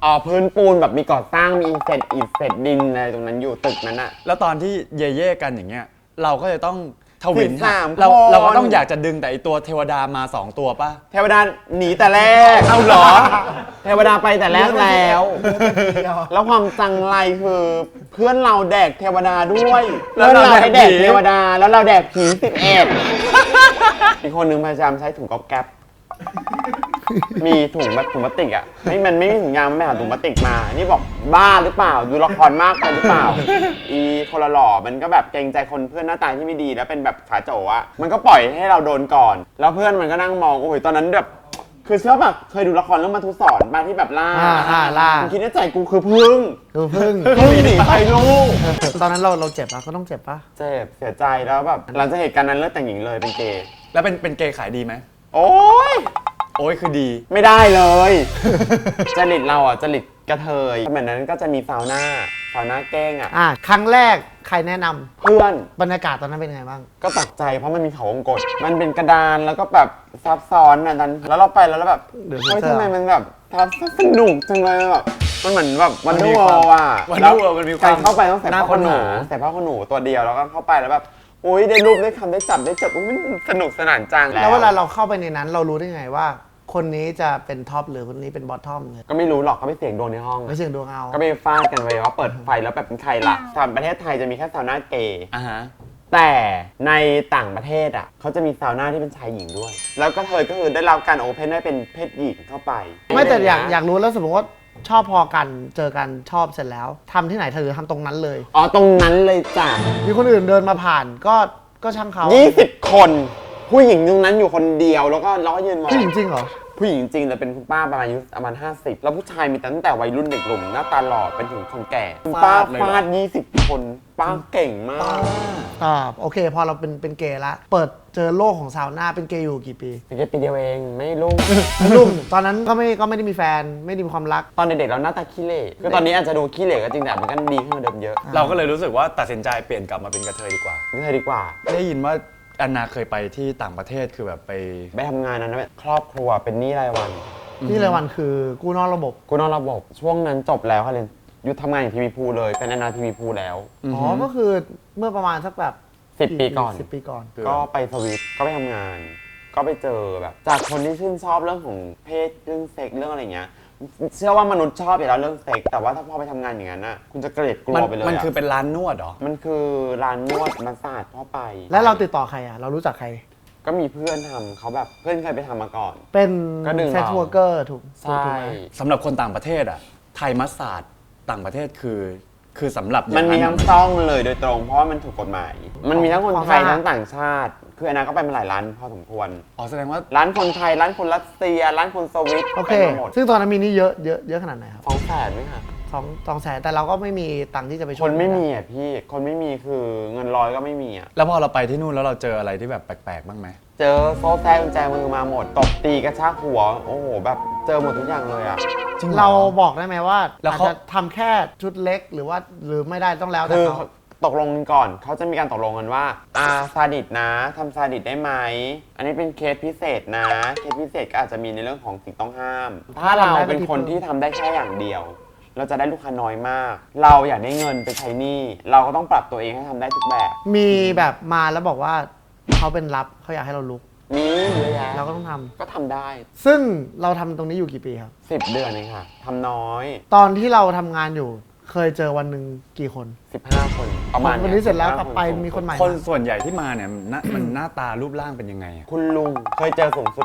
Speaker 3: อ๋อพื้นปูนแบบมีก่อสร้างมีอิฐเศษดินอะไรตรงนั้นอยู่ตึกนั้นอะ
Speaker 2: แล้วตอนที่เย่ๆกันอย่างเงี้ยเราก็จะต้องทวิน
Speaker 3: 13
Speaker 2: เรา
Speaker 3: คน
Speaker 2: เราก็ต้องอยากจะดึงแต่ไอตัวเทวดามา2ตัวป่ะ
Speaker 3: เทวดาหนีแต่แรก
Speaker 2: เอาเหรอ
Speaker 3: เทวดาไปแต่แรกแล้ว แล้วความจังไรคือเพื่อนเราแดกเทวดาด้วย
Speaker 2: แล้วเรา
Speaker 3: ให้แดก
Speaker 2: แดกผี
Speaker 3: เทวดาแล้วเราแดกผี11อีกคนนึงพยายามใช้ถุงก๊อบแก๊บมีถุงแบบถุงพลาสติกอ่ะมันไม่มีถุงยางไม่หาถุงพลาสติกมา นี่บอกบ้าหรือเปล่าดูละครมากไปหรือเปล่า อีคนละหล่อมันก็แบบเกรงใจคนเพื่อนหน้าตาที่ไม่ดีแล้วเป็นแบบขาโจอะมันก็ปล่อยให้เราโดนก่อน แล้วเพื่อนมันก็นั่งมองโอ้ยตอนนั้นแบบคือเชื่อแบบเคยดูละครเรื่องมัทุสอนมาที่แบบล่า
Speaker 1: ล่า
Speaker 3: ผมคิดในใจกูคือพึ่ง
Speaker 1: ดูพึ่ง
Speaker 3: พึ่งหนีไปลูก
Speaker 1: ตอนนั้นเราเจ็บปะก็ต้องเจ็บปะ
Speaker 3: เจ็บเสียใจแล้วแบบหลังจากเหตุการณ์นั้นเลิกแต่งหญิงเลยเป็นเกย์
Speaker 2: แล้วเป็นเกย์ขายดีไหม
Speaker 3: โอ๊ย
Speaker 2: โอ้ยคือดี
Speaker 3: ไม่ได้เลย จริตเราอ่ะจริตกระเทยสมัยนั้นก็จะมีซาวน่าเก้งอ่ะ
Speaker 1: ครั้งแรกใครแนะนำ
Speaker 3: เพื่อน
Speaker 1: บรรยากาศตอนนั้นเป็นยังไงบ้าง
Speaker 3: ก็ตกใจเพราะมันมีเขาวงกตมันเป็นกระดานแล้วก็แบบซับซ้อนอ่ะนั้นแล้วเราไปแล้วแบบ
Speaker 1: เดี๋ยว
Speaker 3: เฮ้ย
Speaker 1: เสื้อ
Speaker 3: ทำไมมันแบบสนุกจังเลยแบบมันเหมือนแบบวัน
Speaker 2: มัน
Speaker 3: ดู
Speaker 2: มี
Speaker 3: ว
Speaker 2: ความ
Speaker 3: อ่ะ
Speaker 2: Wonder World มันมีความ
Speaker 3: การเข้าไปต้องใส่
Speaker 2: น่า
Speaker 3: ผ้าข
Speaker 2: ค้
Speaker 3: น
Speaker 2: น
Speaker 3: หนู
Speaker 2: หา
Speaker 3: ใส่ผ้าขนหนูตัวเดียวแล้วก็เข้าไปแล้วแบบอุ้ยได้รูปได้คำได้จับได้จบอุ๊ยมันสนุกสนานจัง
Speaker 1: แล้วเวลาเราเข้าไปในนั้นเรารู้ได้ไงว่า คนนี้จะเป็นท็อปหรือคนนี้เป็นบอททอมเนี่ย
Speaker 3: ก็ไม่รู้หรอกก็ไปเสียงดวงในห้อง
Speaker 1: ไม่เสียงดวงเอา
Speaker 3: ก็ไปฟาดกันไปว่าเปิดไฟแล้วแบบเป็นใครล่ะสำหรับประเทศไทยจะมีแค่ซาวน่าเกย์
Speaker 2: อ่าฮะ
Speaker 3: แต่ในต่างประเทศอ่ะเขาจะมีซาวน่าที่เป็นชายหญิงด้วย แล้วก็เธอก็คือได้รับการโอเพนให้เป็นเพศหญิงเข้าไป
Speaker 1: ไม่แต่อยากรู้แล้วสมมติว่าชอบพอกันเจอกันชอบเสร็จแล้วทำที่ไหนเธอทำตรงนั้นเลย
Speaker 3: อ๋อตรงนั้นเลยจ้ะ
Speaker 1: มีคนอื่นเดินมาผ่านก็ช่างเขา
Speaker 3: 20 คน ผู้หญิงตรงนั้นอยู่คนเดียวแล้วก็ยืนมอง
Speaker 1: ผู้หญิงจริงเหรอ
Speaker 3: ผู้หญิงจริงแต่เป็นคุณป้าประมาณอายุประมาณ50 แล้วผู้ชายมีตั้งแต่วัยรุ่นเด็กหนุ่มหน้าตาหล่อเป็นถึงคนแก่คุณป้า
Speaker 2: ฟาดเลยเหรอ
Speaker 3: ฟาด20 คนป้าเก่งมาก
Speaker 1: โอเค พอเราเป็นเกย์ละเปิดเจอโลกของซาวน่าเป็นเกย์อยู่กี่ปี
Speaker 3: เป็นแค่ปีเดียวเองไม่รู้
Speaker 1: ลุ่มตอนนั้นก็ไม่ได้มีแฟนไม่ได้มีความรัก
Speaker 3: ตอนเด็กๆเราหน้าตาขี้เหร่คือตอนนี้อาจจะดูขี้เหร่ก็จริงแต่มันก็ดีขึ้นกว่าเดิมเยอะ
Speaker 2: เราก็เลยรู้สึกว่าตัดสินใจเปลี่ยนกลับมาเป็นกระเทยดีกว่า
Speaker 3: ไม่ใช่ดีกว่า
Speaker 2: ได้ยินว่าแอนนาเคยไปที่ต่างประเทศคือแบบไป
Speaker 3: ไปทำงานนั้นแบบครอบครัวเป็นหนี้รายวัน
Speaker 1: นี่รายวันคือกู้นอกระบบ
Speaker 3: กูนอกระบบช่วงนั้นจบแล้วค่ะเรนหยุดทำงานอยู่ทีวีพูเลยเป็นแอนนาทีวีพูแล้ว
Speaker 1: อ๋อก็คือเมื่อประมาณสักแบบ
Speaker 3: 10 ปีก่อน
Speaker 1: 10 ปีก่อน
Speaker 3: ก็ไปสวิตก็ไปทำงาน ก็ไปเจอแบบ จากคนที่ชื่นชอบเรื่องของเพศเรื่องเซ็กเรื่องอะไรเงี้ยเชื่อว่ามนุษย์ชอบอยู่แล้วเรื่องเซ็กแต่ว่าถ้าพอไปทำงานอย่างนั้นน่ะคุณจะเกลียดกลั
Speaker 2: มัน
Speaker 3: วไปเลย
Speaker 2: มัน
Speaker 3: อะ
Speaker 2: คือเป็นร้านนวดเหรอ
Speaker 3: มันคือร้านนวดมาสซาจพ่อไป
Speaker 1: แล้วเราติดต่อใครอ่ะเรารู้จักใคร
Speaker 3: ก็มีเพื่อนทำเขาแบบเพื่อนเคยไปทำมาก่อน
Speaker 1: เป็น
Speaker 3: ก็ดึงเรา
Speaker 1: เซ็กซ์วอร์เกอร์ถูก
Speaker 3: ใช่
Speaker 1: ไหม
Speaker 2: สำหรับคนต่างประเทศอ่ะ ไทยมัสซาดต่างประเทศคือสำหรับอย่า
Speaker 3: มัน
Speaker 2: ง
Speaker 3: มี
Speaker 2: นั้น
Speaker 3: ทั้งซ่องเลยโดยตรงเพราะว่ามันถูกกฎหมาย มันมีทั้งคนไทยทั้งต่างชาติ คืออันนั้นก็ไปมาหลายร้านพอสมควร
Speaker 2: อ๋อแสดงว่า
Speaker 3: ร้านคนไทย ร้านคนรัสเซีย ร้านคนสวิต
Speaker 1: โอเค
Speaker 3: ไปมาหมด
Speaker 1: ซึ่งตอนนั้นมีนี่เยอะขนาดไหนครับ
Speaker 3: 200,000ไหมคะ
Speaker 1: 200,000แต่เราก็ไม่มีตังค์ที่จะไปช่วย
Speaker 3: คนไม่มีอ่ะพี่ คนไม่มีคือเงินร้อยก็ไม่มีอ่ะ
Speaker 2: แล้วพอเราไปที่นู่นแล้วเราเจออะไรที่แบบแปลกๆบ้างไหม
Speaker 3: เจอโซ่แท้กุญแจมือมาหมด ตบตีกระชากหัว โอ้โห แบบเจอหมดทุกอย่างเลยอ่ะ
Speaker 2: จริงหอ
Speaker 1: เราบอกได้ไหมว่า
Speaker 2: แล้ว
Speaker 1: อาจ
Speaker 2: เขา
Speaker 1: จะทำแค่ชุดเล็กหรือไม่ได้ต้องแล้วแต่
Speaker 3: คือ
Speaker 1: เขา
Speaker 3: ตกลงกันก่อน เขาจะมีการตกลงกันว่าซาดิสนะทำซาดิสได้ไหม อันนี้เป็นเคสพิเศษนะ เคสพิเศษก็อาจจะมีในเรื่องของสิ่งต้องห้าม ถ้าเราเป็นคนที่ทำได้แค่อย่างเดียว เราจะได้ลูกค้าน้อยมาก เราอยากได้เงินไปใช้หนี้ เราก็ต้องปรับตัวเองให้ทำได้ทุกแบบ
Speaker 1: มีแบบมาแล้วบอกว่าเขาเป็นรับเขาอยากให้เราลุก
Speaker 3: มีเยอะแยะ
Speaker 1: เราก็ต้องทำ
Speaker 3: ก็ทำได้
Speaker 1: ซึ่งเราทำตรงนี้อยู่กี่ปีครับ
Speaker 3: 10 เดือนเองค่ะทำน้อย
Speaker 1: ตอนที่เราทำงานอยู่เคยเจอวันหนึ่งกี่คน
Speaker 3: 15 คนประมาณ
Speaker 1: วันนี้เสร็จแล้วกลับไป
Speaker 3: 15
Speaker 1: มีคนใหม่
Speaker 2: คน
Speaker 1: มา
Speaker 2: ส่วนใหญ่ที่มาเนี่ยมันหน้าตารูปร่างเป็นยังไงอะ
Speaker 3: คุณลุงเคยเจอสูงสุด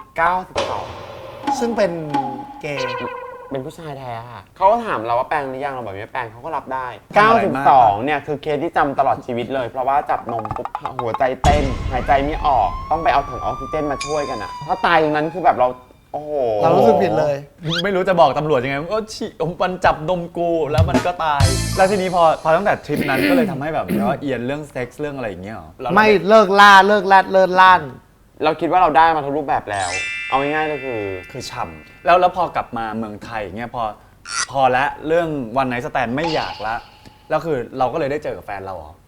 Speaker 3: 92
Speaker 1: ซึ่งเป็นเกย์
Speaker 3: เป็นผู้ชายแท้ค่ะเขาก็ถามเราว่าแปลงหรือยังเราบอกไม่แปลงเขาก็รับได้ 92 เนี่ยคือเคสที่จำตลอดชีวิตเลย เพราะว่าจับนมปุ๊บหัวใจเต้น หายใจไม่ออก ต้องไปเอาถังออกซิเจนมาช่วยกันอะถ้าตายตรงนั้นคือแบบเรา โอ้โห
Speaker 1: เรารู้สึกผิดเลย
Speaker 2: ไม่รู้จะบอกตำรวจยังไงก็มันจับนมกูแล้วมันก็ตาย แล้วทีนี้พอตั้งแต่ทริปนั้นก็เลยทำให้แบบว่าเอียนเรื่องเซ็กส์เรื่องอะไรอย่างเงี้ยหรอแล้วเรา
Speaker 1: ไม่เลิกล่าเลิกแรดเลิกล่าน
Speaker 3: เราคิดว่าเราได้มาทุกรูปแบบแล้ว เอาง่ายๆก็คือ
Speaker 2: คือฉ่ำแล้วพอกลับมาเมืองไทยอย่างเงี้ยพอละเรื่องวันไนท์สแตนไม่อยากละแล้วคือเราก็เลยได้เจอกับแฟนเราเหรอ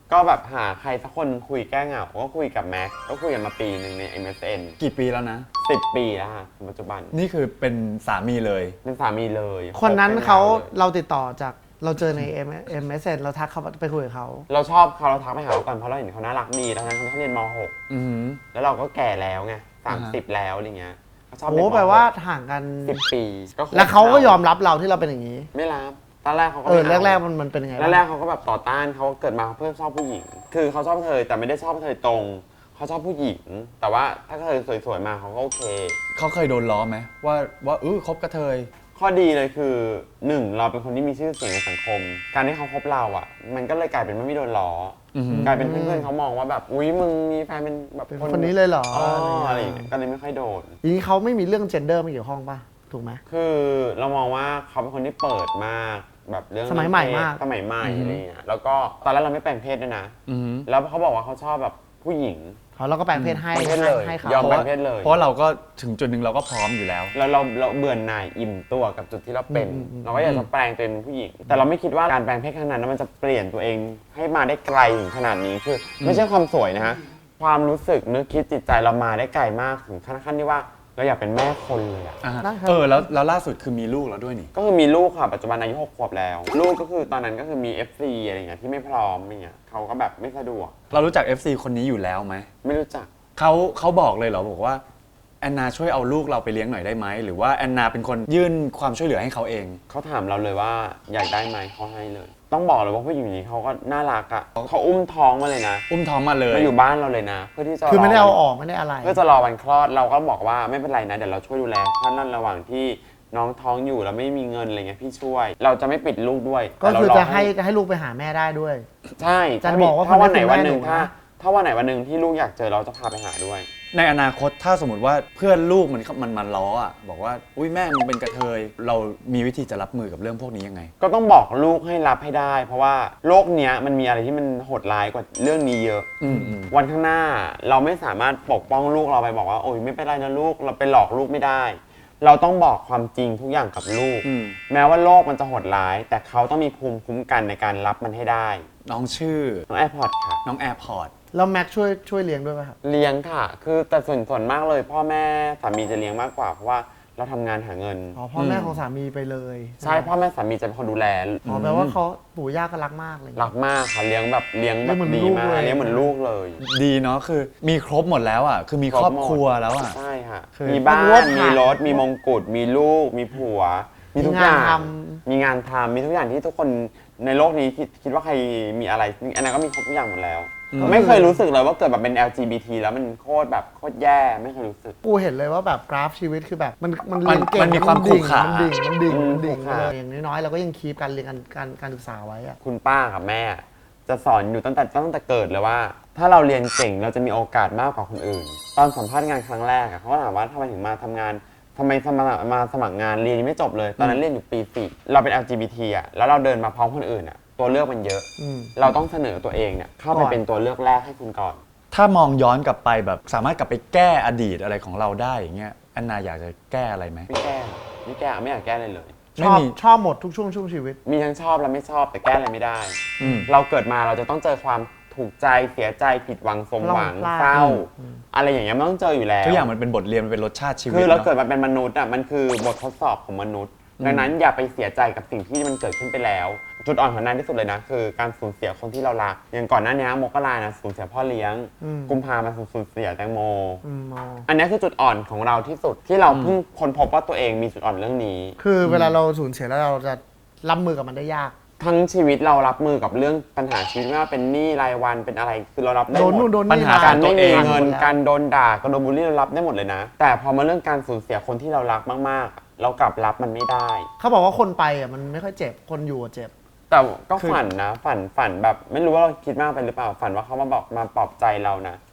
Speaker 3: ก็แบบหาใครสักคนคุยแก้เหงาก็คุยกับแม็กก็คุยกันมาปีหนึ่งใน MSN
Speaker 2: กี่ปีแล้วนะ
Speaker 3: 10 ปีแล้วค่ะปัจจุบัน
Speaker 2: นี่คือเป็นสามีเลย
Speaker 3: เป็นสามีเลย
Speaker 1: คนนั้น
Speaker 3: คบกั
Speaker 1: เขา
Speaker 3: ยวลย
Speaker 1: เราติดต่อจากเราเจอใน MSN เราทักเขาไปคุยกับเขา
Speaker 3: เราชอบเขาเราทักไปหาเขาก่อนเพราะเราเห็นเขาน่ารักดีแล้วทั้งที่เขาเรียนม
Speaker 2: อือหือ
Speaker 3: .6 แล้วเราก็แก่แล้วไง
Speaker 2: อ่าฮะ
Speaker 3: 30 แล้วอะไรเงี้ยเขาชอบ
Speaker 1: โอ้
Speaker 3: เด็กม
Speaker 1: แปลว่าห่างกัน
Speaker 3: 10 ปีก็คบ
Speaker 1: แล้วเขาก็ยอมรับเราที่เราเป็นอย่างนี้
Speaker 3: ไม่รับตอนแรกเขาก็
Speaker 1: แรกๆมันเป็นยังไง
Speaker 3: แรกๆเขาก็แบบต่อต้านเขาเกิดมาเพื่อชอบผู้หญิง คือเขาชอบเธอแต่ไม่ได้ชอบเธอตรงเขาชอบผู้หญิง แต่ว่าถ้าเธอสวยๆมาเขาก็โอเค
Speaker 2: เขาเคยโดนล้อไหมว่าคบกระเทย
Speaker 3: ข้อดีเลยคือหนึ่งเราเป็นคนที่มีชื่อเสียงในสังคม การที่เขาคบเราอ่ะ มันก็เลยกลายเป็นไม่โดนล้ออ
Speaker 2: อหือ
Speaker 3: กลายเป็นเพื่อนๆเขามองว่าแบบอุ๊ยมึงมีแฟนเป็นแบบ
Speaker 1: เป็นคนนี้เลยเหรอ
Speaker 3: อ๋อ
Speaker 1: อะ
Speaker 3: อะไร ไร
Speaker 1: อ
Speaker 3: อย่าง
Speaker 1: ย่าง
Speaker 3: เงี้
Speaker 1: เงี้
Speaker 3: ย
Speaker 1: ย
Speaker 3: ก็เลยไม่ค่อยโดน
Speaker 1: อย่างนี้เขาไม่มีเรื่อง gender มาเกี่ยวข้องป่ะถูกไหม
Speaker 3: คือเรามองว่าเขาเป็นคนที่เปิดมากแบบเรื่อง
Speaker 1: สมัยใหม่มาก
Speaker 3: สมัยใหม่อะไรเงี้ยแล้วก็ตอนแรกเราไม่แปลงเพศด้วยนะ
Speaker 2: อือหือ
Speaker 3: แล้วเขาบอกว่าเขาชอบแบบผู้หญิง
Speaker 1: เราก็แปลงเพศให้
Speaker 3: แปลงเพศเลย
Speaker 1: ให้เขา
Speaker 3: ยอม
Speaker 2: เพราะ
Speaker 3: แปล
Speaker 2: ว่าง
Speaker 3: เพศเลย
Speaker 2: เพราะเราก็ถึงจุดหนึ่งเราก็พร้อมอยู่แล้ว
Speaker 3: แล้วเราเบื่อหน่ายอิ่มตัวกับจุดที่เราเป็น เราก็อยากจะแปลงตัวเองเป็นผู้หญิง แต่เราไม่คิดว่าการแปลงเพศครั้งนั้นมันจะเปลี่ยนตัวเองให้มาได้ไกลถึงขนาดนี้คือไม่ใช่ความสวยนะฮะความรู้สึกนึกคิดจิตใจเรามาได้ไกลมากถึงขั้นที่ว่าเราอยากเป็นแม่คนเลยอะ
Speaker 1: ได้ครับ
Speaker 2: แล้วล่าสุดคือมีลูกแล้วด้วยนี่
Speaker 3: ก็คือมีลูกค่ะปัจจุบันอายุ6 ขวบแล้ว ลูกก็คือตอนนั้นก็คือมี FC อะไรเงี้ยที่ไม่พร้อมอะไรเงี้ยเขาก็แบบไม่สะดวก
Speaker 2: เรารู้จัก FC คนนี้อยู่แล้วไหม
Speaker 3: ไม่รู้จัก
Speaker 2: เขาบอกเลยเหรอบอกว่าแอนนาช่วยเอาลูกเราไปเลี้ยงหน่อยได้ไหมหรือว่าแอนนาเป็นคนยื่นความช่วยเหลือให้เขาเอง
Speaker 3: เขาถามเราเลยว่าอยากได้ไหมเขาให้เลย ต้องบอกเลยว่าผู้หญิงคนนี้เขาก็น่ารักอ่ะเขาอุ้มท้องมาเลยนะ
Speaker 2: อุ้มท้องมาเลย
Speaker 3: มาอยู่บ้านเราเลยนะ เพื่อที่จะ
Speaker 1: คือไม่ได้
Speaker 3: ร
Speaker 1: เอาออกไม่ได้อะไร
Speaker 3: เพื่อจะรอวันคลอดเราก็บอกว่าไม่เป็นไรนะเดี๋ยวเราช่วยดูแลท่านนั่นระหว่างที่น้องท้องอยู่แล้วไม่มีเงินอะไรเงี้ยพี่ช่วย เราจะไม่ปิดลูกด้วย
Speaker 1: ก็
Speaker 3: แต่เรา
Speaker 1: คือ
Speaker 3: ร
Speaker 1: จะให้ลูกไปหาแม่ได้ด้วย
Speaker 3: ใช่
Speaker 1: จะบอกว่า
Speaker 3: ถ้าวันไหน
Speaker 1: คุณแม่
Speaker 3: วันหนึ่ง
Speaker 1: หนูนะ
Speaker 3: ถ้าวันไหนวันหนึ่งที่ลูกอยากเจอเราจะพาไปหาด้วย
Speaker 2: ในอนาคตถ้าสมมติว่าเพื่อนลูกมันมาล้ออ่ะบอกว่าอุ้ยแม่มึงเป็นกระเทยเรามีวิธีจะรับมือกับเรื่องพวกนี้ยังไง
Speaker 3: ก็ต้องบอกลูกให้รับให้ได้ เพราะว่าโลกเนี้ยมันมีอะไรที่มันโหดร้ายกว่าเรื่องนี้เยอะ
Speaker 2: อืม
Speaker 3: วันข้างหน้าเราไม่สามารถปกป้องลูกเราไปบอกว่าโอ้ยไม่เป็นไรนะลูกเราไปหลอกลูกไม่ได้ เราต้องบอกความจริงทุกอย่างกับลูก
Speaker 2: อืม
Speaker 3: แม้ว่าโลกมันจะโหดร้าย แต่เขาต้องมีภูมิคุ้มกันในการรับมันให้ได้
Speaker 2: น้องชื่อ
Speaker 3: น้องแอร์พอร์ตค่ะ
Speaker 2: น้องแอร์พอร์ต
Speaker 1: แล้วแม็กช่วยเลี้ยงด้วยป่ะครับ
Speaker 3: เลี้ยงค่ะ คือแต่ส่วนมากเลย พ่อแม่สามีจะเลี้ยงมากกว่า เพราะว่าเราทำงานหาเงิน
Speaker 1: อ๋อพ่อแม่ของสามีไปเลย
Speaker 3: ใช่พ่อแม่สามีจะเป็นคนดูแล
Speaker 1: อ๋อแปลว่าเขาปู่ย่าก็รักมากเลย
Speaker 3: รักมากค่ะเลี้ยงแบบ
Speaker 1: เลี้ยงเหมือน
Speaker 3: ดี
Speaker 1: ลูก
Speaker 3: มาก
Speaker 1: เลย
Speaker 3: เลี้ยงเหมือนลูกเลย
Speaker 2: ดีเนาะคือมีครบหมดแล้วอ่ะคือมีครอบครัวแล้วอ่ะ
Speaker 3: ใช่ค่ะ
Speaker 2: คือ
Speaker 3: มีบ้า
Speaker 1: มีร
Speaker 3: น
Speaker 1: ถ
Speaker 3: มีรถ
Speaker 1: ค่ะ
Speaker 3: มีมงกุฎมีลูก มีผัว มีทุกอย่าง
Speaker 1: มีงานท
Speaker 3: มีงานทำมีทุกอย่างที่ทุกคนในโลกนี้คิดว่าใครมีอะไรอันนั้นก็มีครบทุกอย่างหมดแล้ว ไม่เคยรู้สึกเลยว่าเกิดแบบเป็น LGBT แล้วมันโคตรแย่ไม่เคยรู้สึก
Speaker 1: กูเห็นเลยว่าแบบกราฟชีวิตคือแบบมันเรียนเก่ง
Speaker 2: มันมีความขรุขระ
Speaker 1: มันดิ่ง
Speaker 3: อืม
Speaker 1: มันดิ่ง
Speaker 3: ขรุขระ
Speaker 1: เลยอย่างน้อยๆเราก็ยังคีปการเรียนการศึกษาไว้อะ
Speaker 3: คุณป้ากับแม่ จะสอนอยู่ตั้งแต่เกิดเลยว่า ถ้าเราเรียนเก่งเราจะมีโอกาสมากกว่าคนอื่น ตอนสัมภาษณ์งานครั้งแรกอะเขาก็ถามว่าทำไมถึงมาทำงานทำไมมาสมัครงานเรียนยังไม่จบเลย ตอนนั้นเรียนอยู่ปี 4เราเป็น LGBT อะแล้วเราเดินมาพร้อมคนอื่นอะตัวเลือกมันเยอะ
Speaker 1: อืม
Speaker 3: เราต้องเสนอตัวเองเนี่ยเข้าไป
Speaker 1: ก่อน
Speaker 3: เป็นตัวเลือกแรกให้คุณก่อน
Speaker 2: ถ้ามองย้อนกลับไปแบบสามารถกลับไปแก้อดีตอะไรของเราได้อย่างเงี้ยแอนนาอยากจะแก้อะไรไหม
Speaker 3: ไม่แก้ไม่อยากแก้เลยเลย
Speaker 2: ไม่มี
Speaker 1: ชอบหมดทุกช่วงชีวิต
Speaker 3: มีทั้งชอบและไม่ชอบแต่แก้อะไรไม่ได้
Speaker 2: อืม
Speaker 3: เราเกิดมาเราจะต้องเจอความถูกใจเสียใจผิดหวังสมหวัง
Speaker 1: พลาด
Speaker 3: เศร้า อะไรอย่างเงี้ยมันต้องเจออยู่แล้ว
Speaker 2: ทุกอย่างมันเป็นบทเรียนมันเป็นรสชาติชีวิต
Speaker 3: คือเรา
Speaker 2: เนอะ
Speaker 3: เกิดมาเป็นมนุษย์อ่ะมันคือบททดสอบของมนุษย์ ดังนั้นอย่าไปเสียใจกับสิ่งที่มันเกิดขึ้นไปแล้ว จุดอ่อนของนานที่สุดเลยนะคือการสูญเสียคนที่เรารักอย่างก่อนหน้านี้มกรานะสูญเสียพ่อเลี้ยง กุมภามาสูญเสียแตงโม
Speaker 1: อ๋อ
Speaker 3: อันนี้คือจุดอ่อนของเราที่สุดที่เราเพิ่งค้นพบว่าตัวเองมีจุดอ่อนเรื่องนี้
Speaker 1: คือเวลาเราสูญเสียแล้วเราจะรับมือกับมันได้ยาก
Speaker 3: ทั้งชีวิตเรารับมือกับเรื่องปัญหาชีวิตไม่ว่าเป็นหนี้รายวันเป็นอะไรคือเรารับได้
Speaker 1: โดน
Speaker 3: หม
Speaker 1: นู่
Speaker 3: ด
Speaker 1: นโดน
Speaker 2: ปัญ
Speaker 1: นี่
Speaker 2: หา
Speaker 1: มา
Speaker 3: การไม่
Speaker 2: ตัวเอ
Speaker 3: มี
Speaker 2: ง
Speaker 3: เงิน
Speaker 1: หมดแล้ว
Speaker 3: การโดนด่าการโดนบูลลี่เรารับได้หมดเลยนะ แต่พอมาเรื่องการสูญเสียคนที่เรารักมากๆ เรากลับรับมันไม่ได้
Speaker 1: เขาบอกว่าคนไปอ่ะมันไม่ค่อยเจ็บคนอยู่อะเจ็บ
Speaker 3: แต่ก็
Speaker 2: คือ
Speaker 3: ฝันนะฝันแบบไม่รู้ว่าเราคิดมากไปหรือเปล่าฝันว่าเขามาบอกมาปลอบใจเรานะ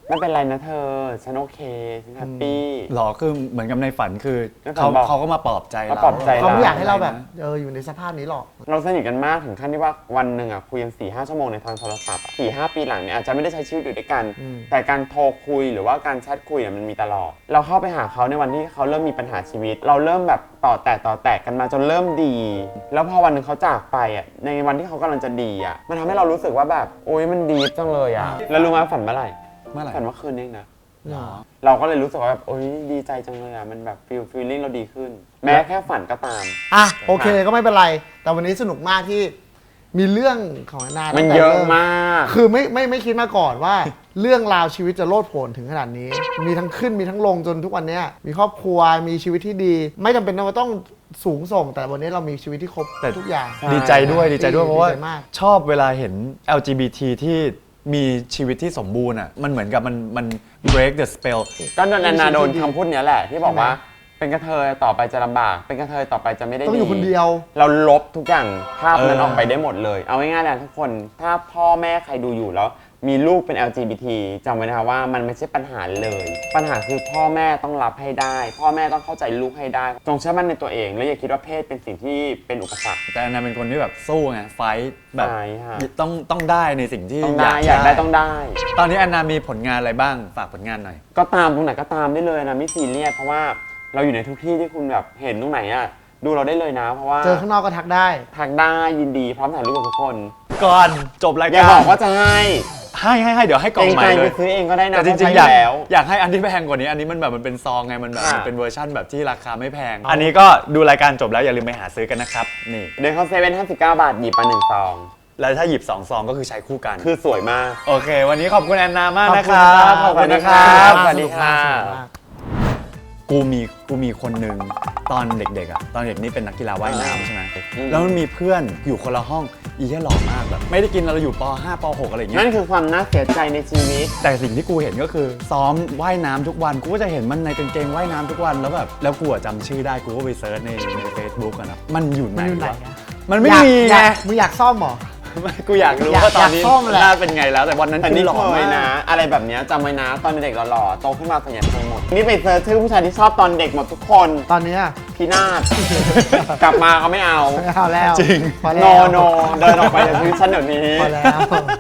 Speaker 3: ไม่เป็นไรนะเธอฉันโอเคฉันแฮปปี้
Speaker 2: หรอคือเหมือนกับในฝันคือ
Speaker 3: ในฝันบอก
Speaker 2: เขาก็มาปลอบใจ
Speaker 3: มาปลอบใจ
Speaker 1: เขาไม่อยากให้เราแบบอยู่ในสภาพนี้หรอก
Speaker 3: เราสนิทกันมากถึงขั้นที่ว่าวันหนึ่งคุยกัน4-5 ชั่วโมงในทางโทรศัพท์4-5 ปีหลังเนี่ยอาจจะไม่ได้ใช้ชีวิตอยู่ด้วยกัน แต่การโทรคุยหรือว่าการแชทคุยมันมีตลอดเราเข้าไปหาเขาในวันที่เขาเริ่มมีปัญหาชีวิต เราเริ่มแบบต่อแตกกันมาจนเริ่มดี แล้วพอวันหนึ่งเขาจากไปในวันที่เขากำลังจะดีมันทำให้เรารู้สึกว่าแบบโอ๊ยมันดีจังเลยแล้วรู้ไหมฝันเมื่อไหร่
Speaker 2: เมื่อไหร่
Speaker 3: ฝันเมื่อคืนเองนะ
Speaker 2: หรอ
Speaker 3: เราก็เลยรู้สึกว่าแบบโอ๊ยดีใจจังเลยมันแบบฟีลลิ่งเราดีขึ้น แม้แค่ฝันก็ตาม
Speaker 1: อ่ะโอเคก็ไม่เป็นไร แต่วันนี้สนุกมากที่มีเรื่องของแอนนา
Speaker 3: มัน
Speaker 1: ตั้งแต่
Speaker 3: เยอะ
Speaker 1: ริ่
Speaker 3: มาก
Speaker 1: คือไม่คิดมาก่อนว่า เรื่องราวชีวิตจะโลดโผนถึงขนาดนี้ มีทั้งขึ้นมีทั้งลงจนทุกวันเนี้ยมีครอบครัวมีชีวิตที่ดี ไม่จำเป็นว่าต้องสูงส่ง แต่วันนี้เรามีชีวิตที่ครบทุกอย่าง
Speaker 2: ดีใจด้วยเพราะว่า
Speaker 1: ดีใจมาก
Speaker 2: ชอบเวลาเห็น LGBT ที่มีชีวิตที่สมบูรณ์มันเหมือนกับมัน break the spell
Speaker 3: ก็โดนแอนนาโดนคำพูดเนี้ยแหละที่บอกว่าเป็นกระเทยต่อไปจะลำบาก เป็นกระเทยต่อไปจะไม่ได้
Speaker 1: ต้องอยู่คนเดียว
Speaker 3: เราลบทุกอย่างภาพนั้นออกไปได้หมดเลย เอาง่ายๆเลยทุกคนถ้าพ่อแม่ใครดูอยู่แล้วมีลูกเป็น LGBT จำไว้นะคะว่ามันไม่ใช่ปัญหาเลย ปัญหาคือพ่อแม่ต้องรับให้ได้ พ่อแม่ต้องเข้าใจลูกให้ได้จงเชื่อมั่นในตัวเองแล้วอย่าคิดว่าเพศเป็นสิ่งที่เป็นอุปสรรค
Speaker 2: แต่อันนั้นเป็นคนที่แบบสู้ไงไฟท์แบบ
Speaker 3: ใช่ค่ะ
Speaker 2: ต้องได้ในสิ่งที่
Speaker 3: ต้องได้อยากได้ต้องได้
Speaker 2: ตอนนี้อันนามีผลงานอะไรบ้างฝากผลงานหน่อย
Speaker 3: ก็ตามตรงไหนก็ตามได้เลยนะไม่ซีเรียสเพราะว่าเราอยู่ในทุกที่ที่คุณแบบเห็นตรงไหนดูเราได้เลยนะ เพราะว่า
Speaker 1: เจอข้างนอกก็ทักได้
Speaker 3: ทักได้ยินดีพร้อมถ่ายรูปกับทุกคน
Speaker 2: ก่อนจบราย
Speaker 3: อย่า
Speaker 2: การ
Speaker 3: บอกว่าจะให้
Speaker 2: ให้เดี๋ยวให้กล่องใหม่
Speaker 3: ใจ
Speaker 2: เล
Speaker 3: ไป
Speaker 2: ย
Speaker 3: ซื้อเองก็ได้นะ
Speaker 2: แต่จริงๆ
Speaker 3: เพาะ
Speaker 2: อยาก
Speaker 3: ใช้แล้ว
Speaker 2: อยากให้อันที่แพงกว่านี้อันนี้มันแบบมันเป็นซองไงมันแบบ
Speaker 3: ค่ะ
Speaker 2: มันเป็นเวอร์ชั่นแบบที่ราคาไม่แพง อันนี้ก็ดูรายการจบแล้วอย่าลืมไปหาซื้อกันนะครับนี่
Speaker 3: เดินเข้าเซเว่น59 บาทหยิบมา1 ซอง
Speaker 2: แล้วถ้าหยิบ2ซองก็คือใช้คู่กัน
Speaker 3: คือสวยมาก
Speaker 2: โอเค วันนี้ขอบคุณแอนนามาก
Speaker 1: ขอบ
Speaker 2: นะ
Speaker 1: คุ
Speaker 2: ค
Speaker 1: ณ
Speaker 2: รั
Speaker 1: ครับ บ
Speaker 2: ขอบคุณนะครับ
Speaker 3: สวัสดีค่ะ
Speaker 1: สนุกมาก
Speaker 2: กูมีคนหนึ่งตอนเด็กๆตอนเด็กนี่เป็นนักกีฬาว่ายน้ำใช่ไหม
Speaker 3: อืม
Speaker 2: แล้วมันมีเพื่อนอยู่คนละห้องอีแค่หล่อมากแบบไม่ได้กินเราอยู่ป .5 ป .6 อะไรอย่างเงี้
Speaker 3: นั่
Speaker 2: ย
Speaker 3: นคือความน่าเสียใจในชีวิต
Speaker 2: แต่สิ่งที่กูเห็นก็คือซ้อมว่ายน้ำทุกวันกูก็จะเห็นมันในกางเกงว่ายน้ำทุกวันแล้วแบบแล้วกูจำชื่อได้กูก็ไปเซิร์ชใน Facebook กันนะมันอยู่ไหน
Speaker 1: มันอยู่ไหน
Speaker 2: วะ
Speaker 1: อะ
Speaker 2: มันไม่มีไง
Speaker 1: มึงอยากซ่อมเหรอ
Speaker 2: ไม่กูอยากรู้
Speaker 1: อยาก
Speaker 2: ว่าตอนนี้
Speaker 1: อยากซ่อมแหละ
Speaker 2: หน้าเป็นไงแล้วแต่วันนั้น
Speaker 3: แต่
Speaker 2: คือ
Speaker 3: นี่
Speaker 2: หล่อ
Speaker 3: เค
Speaker 2: มาย
Speaker 3: นะ
Speaker 2: ก
Speaker 3: อะไรแบบเนี้ยจำไว้นะตอนเด็กๆหล่อๆโตขึ้นมาส่วนใหญ่คงหมด นี่ไปเซิร์ชชื่อผู้ชายที่ชอบตอนเด็กหมดทุกคน
Speaker 1: ตอนเนี้ย
Speaker 3: พินาศ กลับมาเขาไม่เอา
Speaker 1: ไม่เอาแล้ว
Speaker 2: จริง
Speaker 1: พอ
Speaker 3: โน
Speaker 1: แล้ว
Speaker 3: โนเดินออกไปจากชีวิตฉันเดี๋ยวนี้
Speaker 1: พอแล้ว